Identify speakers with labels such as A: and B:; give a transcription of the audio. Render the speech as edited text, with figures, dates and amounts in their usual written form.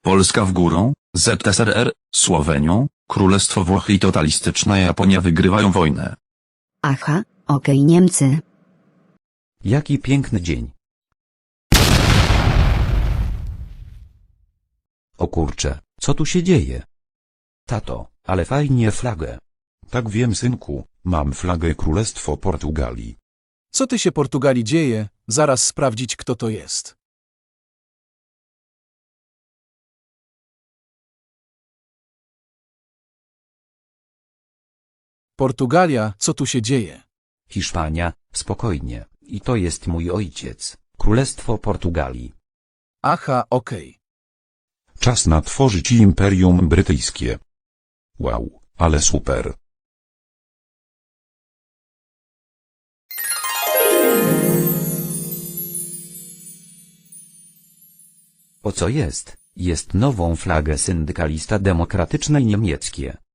A: Polska w górą, ZSRR, Słowenią, Królestwo Włochy i totalistyczna Japonia wygrywają wojnę.
B: Aha, okej, Niemcy.
C: Jaki piękny dzień. O kurcze, co tu się dzieje? Tato, ale fajnie flagę.
D: Tak wiem, synku, mam flagę Królestwo Portugalii.
E: Co ty się Portugalii dzieje? Zaraz sprawdzić, kto to jest. Portugalia, co tu się dzieje?
C: Hiszpania, spokojnie, i to jest mój ojciec, Królestwo Portugalii.
E: Aha, okej.
D: Czas na tworzyć Imperium Brytyjskie. Wow, ale super.
C: O co jest? Jest nową flagę syndykalista demokratycznej niemieckie.